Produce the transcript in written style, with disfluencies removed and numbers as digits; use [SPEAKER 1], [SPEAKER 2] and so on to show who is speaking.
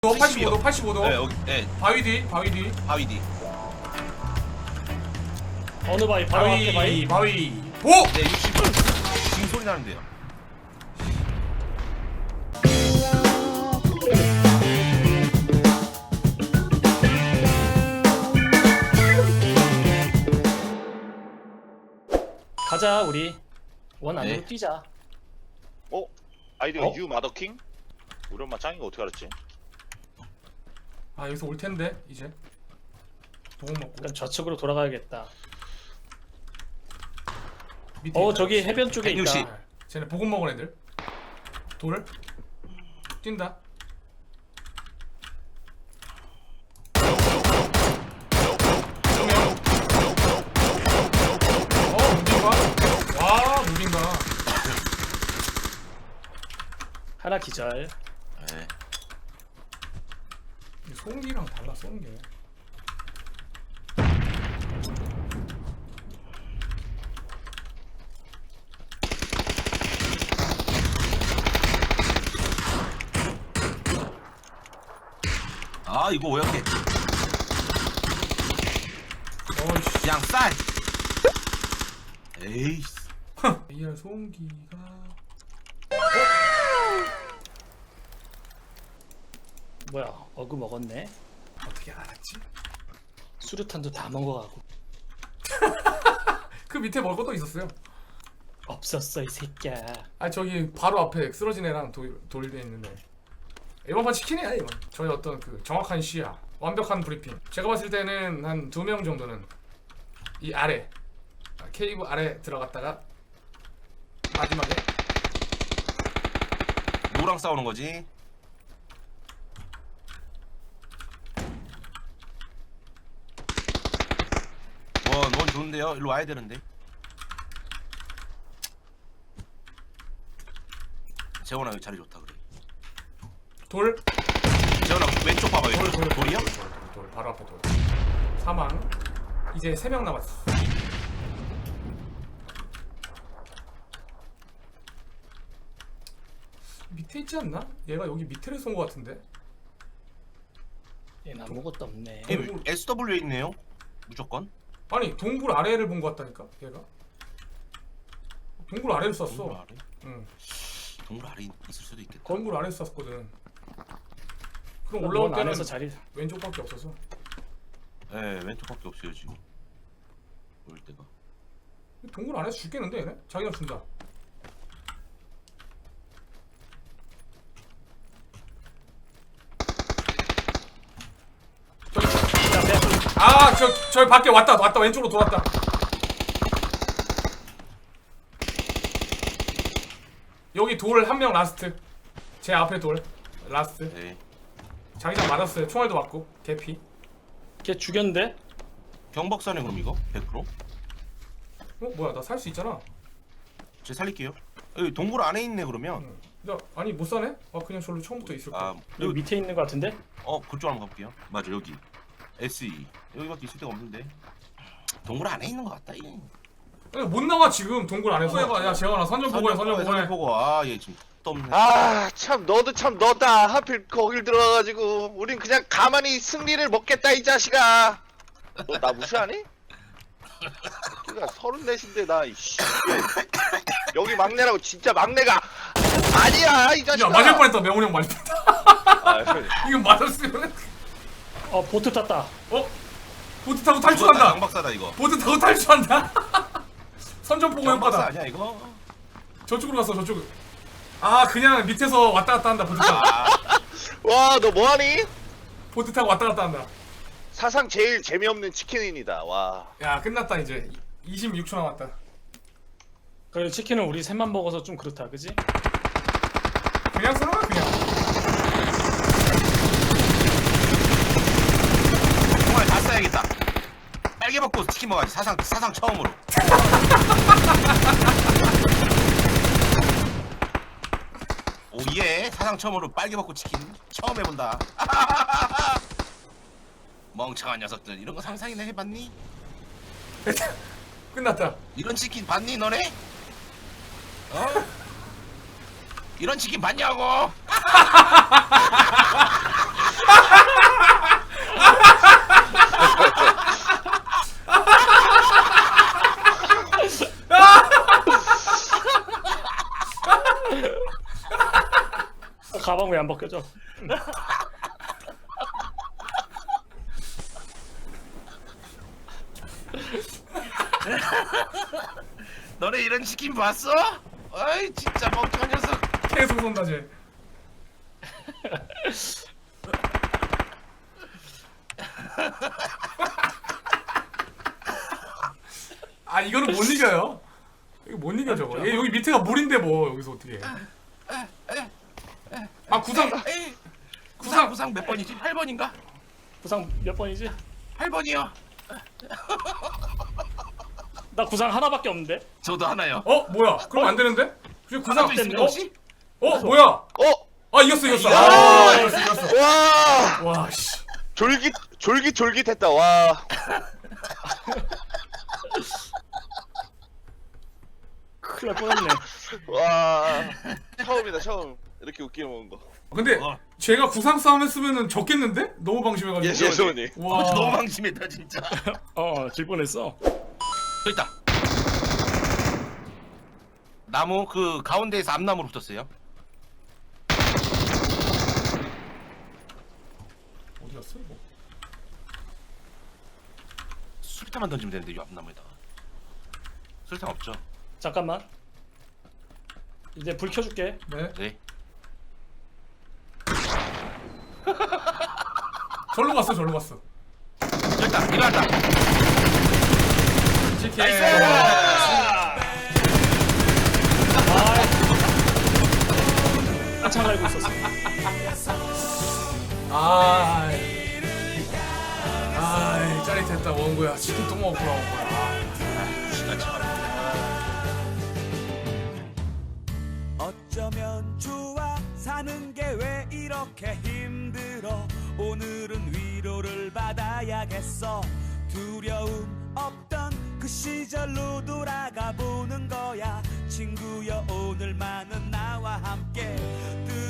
[SPEAKER 1] 너 85도 85도
[SPEAKER 2] 네, 여기, 네,
[SPEAKER 1] 바위 뒤 바위 뒤
[SPEAKER 2] 바위 뒤.
[SPEAKER 3] 어느 바위? 바로 앞에 바위?
[SPEAKER 1] 바위 오!
[SPEAKER 2] 네, 60분. 지금 소리 나는데요.
[SPEAKER 3] 가자 우리 원 안으로
[SPEAKER 2] 네.
[SPEAKER 3] 뛰자.
[SPEAKER 4] 어? 아이디가
[SPEAKER 3] 어?
[SPEAKER 4] 유 마더킹? 우리 엄마 짱인 거 어떻게 알았지?
[SPEAKER 1] 아 여기서 올 텐데 이제 보고 먹고
[SPEAKER 3] 그럼 저쪽으로 돌아가야겠다.
[SPEAKER 1] 밑에
[SPEAKER 3] 저기 해변 쪽에
[SPEAKER 2] 160.
[SPEAKER 3] 있다.
[SPEAKER 1] 아, 쟤네 보급 먹은 애들 돌 뛴다 무빙가? 와 무빙가
[SPEAKER 3] 하나 기절.
[SPEAKER 2] 네.
[SPEAKER 1] 소음기랑 달라 쏘는 게
[SPEAKER 2] 아, 이거 오역해.
[SPEAKER 1] 어이씨
[SPEAKER 2] 그냥 쌀. 에이씨.
[SPEAKER 1] AR 소음기가
[SPEAKER 3] 뭐야? 어그 먹었네.
[SPEAKER 1] 어떻게 알았지?
[SPEAKER 3] 수류탄도 다 먹어가고.
[SPEAKER 1] 그 밑에 먹을 것도 있었어요.
[SPEAKER 3] 없었어 이 새끼야.
[SPEAKER 1] 아 저기 바로 앞에 쓰러진 애랑 돌돼 있는데 이번 판 치킨이야 이번. 저희 어떤 그 정확한 시야, 완벽한 브리핑. 제가 봤을 때는 한 2명 정도는 이 아래 케이브 아래 들어갔다가 마지막에
[SPEAKER 2] 누구랑 싸우는 거지? 원 좋은데요? 일로 와야 되는데. 재원아 여기 자리 좋다 그래.
[SPEAKER 1] 돌
[SPEAKER 2] 재원아 왼쪽 봐봐. 돌이요?
[SPEAKER 1] 돌 바로 앞에 돌 사망. 이제 3명 남았어. 밑에 있지 않나? 얘가 여기 밑에를 쏜 것 같은데.
[SPEAKER 3] 얘는 아무것도 없네.
[SPEAKER 2] SW에 있네요. 무조건.
[SPEAKER 1] 아니 동굴 아래를 본 것 같다니까 얘가. 동굴 아래를 쐈어.
[SPEAKER 2] 동굴 아래?
[SPEAKER 1] 응.
[SPEAKER 2] 동굴 아래 있을 수도 있겠다.
[SPEAKER 1] 동굴 아래를 쐈거든. 그럼
[SPEAKER 3] 원
[SPEAKER 1] 올라올 때는
[SPEAKER 3] 안에서 자리.
[SPEAKER 1] 왼쪽밖에 없어서.
[SPEAKER 2] 네, 왼쪽밖에 없어요 지금. 올 때가.
[SPEAKER 1] 동굴 안에서 죽겠는데 얘네? 자기가 준다. 저 밖에 왔다 왼쪽으로 돌았다. 여기 돌 한 명 라스트. 제 앞에 돌 라스트.
[SPEAKER 2] 네.
[SPEAKER 1] 자기장 맞았어요. 총알도 맞고 개피.
[SPEAKER 3] 걔 죽였는데?
[SPEAKER 2] 경박사네 그럼 이거 100%?
[SPEAKER 1] 뭐야 나 살 수 있잖아.
[SPEAKER 2] 제가 살릴게요. 여기 동굴 안에 있네 그러면.
[SPEAKER 1] 응. 나 아니 못 사네? 아 그냥 저로 처음부터 있을 거야.
[SPEAKER 2] 아
[SPEAKER 3] 여기
[SPEAKER 2] 여기
[SPEAKER 3] 밑에 있는 거 같은데?
[SPEAKER 2] 그쪽 한번 가볼게요. 맞아 여기 SE 여기밖에 있을 데가 없는데 동굴 안에 있는 것 같다. 이.
[SPEAKER 1] 아니, 못 나와 지금 동굴 안에서. 해봐. 야 재원아 선전 보고해 선전 보고해.
[SPEAKER 2] 보고 아얘 지금 떴네.
[SPEAKER 4] 아 참 너도 참 너다. 하필 거길 들어가가지고 우린 그냥 가만히 승리를 먹겠다 이 자식아. 너 나 무시하니? 그니까 34인데 나 이씨 여기 막내라고. 진짜 막내가 아니야 이 자식아.
[SPEAKER 1] 야 맞을 뻔했다. 명훈이 형 맞을 뻔했다.
[SPEAKER 4] 아,
[SPEAKER 1] 이거 맞았으면
[SPEAKER 3] 보트 탔다.
[SPEAKER 1] 보트 타고 탈출한다.
[SPEAKER 2] 경박사다 이거.
[SPEAKER 1] 보트 타고 탈출한다. 선전 보고
[SPEAKER 2] 경박사
[SPEAKER 1] 효과다.
[SPEAKER 2] 아니야 이거?
[SPEAKER 1] 저쪽으로 갔어 저쪽. 아 그냥 밑에서 왔다 갔다 한다. 보트 타고.
[SPEAKER 4] 와 너 뭐하니?
[SPEAKER 1] 보트 타고 왔다 갔다 한다.
[SPEAKER 4] 사상 제일 재미없는 치킨인이다. 와.
[SPEAKER 1] 야 끝났다 이제. 26초 남았다.
[SPEAKER 3] 그래 치킨은 우리 셋만 먹어서 좀 그렇다, 그지?
[SPEAKER 1] 그냥 쏘는 거야 그냥.
[SPEAKER 2] 정말 다 써야겠다. 빨개 먹고 치킨 먹어야지. 사상 처음으로. 오예 사상 처음으로 빨개 먹고 치킨 처음 해본다. 멍청한 녀석들 이런 거 상상이나 해봤니?
[SPEAKER 1] 끝났다.
[SPEAKER 2] 이런 치킨 봤니 너네? 어? 이런 치킨 봤냐고?
[SPEAKER 3] 가방 왜 안 벗겨져?
[SPEAKER 2] 너네 이런 치킨 봤어? 어이 진짜 멍청한 녀석.
[SPEAKER 1] 계속 쏜다 쟤. 아 이거는 못 이겨요. 이거 못 이겨 저거. 얘 여기 밑에가 물인데 뭐 여기서 어떻게 해? 아 구상
[SPEAKER 2] 구상 몇 번이지? 8번인가?
[SPEAKER 3] 구상 몇 번이지?
[SPEAKER 2] 8번이요.
[SPEAKER 3] 나 구상 하나밖에 없는데.
[SPEAKER 2] 저도 하나요.
[SPEAKER 1] 어 뭐야? 그럼 안 되는데? 지금 구상
[SPEAKER 2] 하나도 있습니다
[SPEAKER 1] 어?
[SPEAKER 2] 혹시?
[SPEAKER 1] 뭐야?
[SPEAKER 4] 어?
[SPEAKER 1] 아 이겼어.
[SPEAKER 4] 야!
[SPEAKER 1] 이겼어.
[SPEAKER 4] 와
[SPEAKER 1] 와 씨.
[SPEAKER 4] 졸깃졸깃했다 와.
[SPEAKER 3] 큰일 날 뻔했네.
[SPEAKER 4] 와 처음이다 처음 이렇게 웃기게 먹은 거.
[SPEAKER 1] 근데
[SPEAKER 2] 어.
[SPEAKER 1] 제가 구상 싸움 했으면은 졌겠는데? 너무 방심해가지고.
[SPEAKER 4] 예 예소니.
[SPEAKER 1] 와.
[SPEAKER 2] 너무 방심했다 진짜.
[SPEAKER 3] 질 뻔했어.
[SPEAKER 2] 저기 있다. 나무 그 가운데에서 앞나무로 붙었어요.
[SPEAKER 1] 어디 갔어? 뭐.
[SPEAKER 2] 수류탄만 던지면 되는데 이 앞나무에다가. 수류탄 없죠?
[SPEAKER 3] 잠깐만. 이제 불 켜줄게.
[SPEAKER 1] 네.
[SPEAKER 2] 네.
[SPEAKER 1] 절로 갔어.
[SPEAKER 2] 저기 있다. 일어났다.
[SPEAKER 1] 치킨.
[SPEAKER 3] 한참 알고 있었어.
[SPEAKER 1] 아이 짜릿했다 원구야. 치킨 또 먹었구나 원구야.
[SPEAKER 2] 시간 참.
[SPEAKER 5] 어쩌면 좋아 사는 게 왜 이렇게 힘들어 오늘은 위로를 받아야겠어 두려움 없던 그 시절로 돌아가 보는 거야 친구여 오늘만은 나와 함께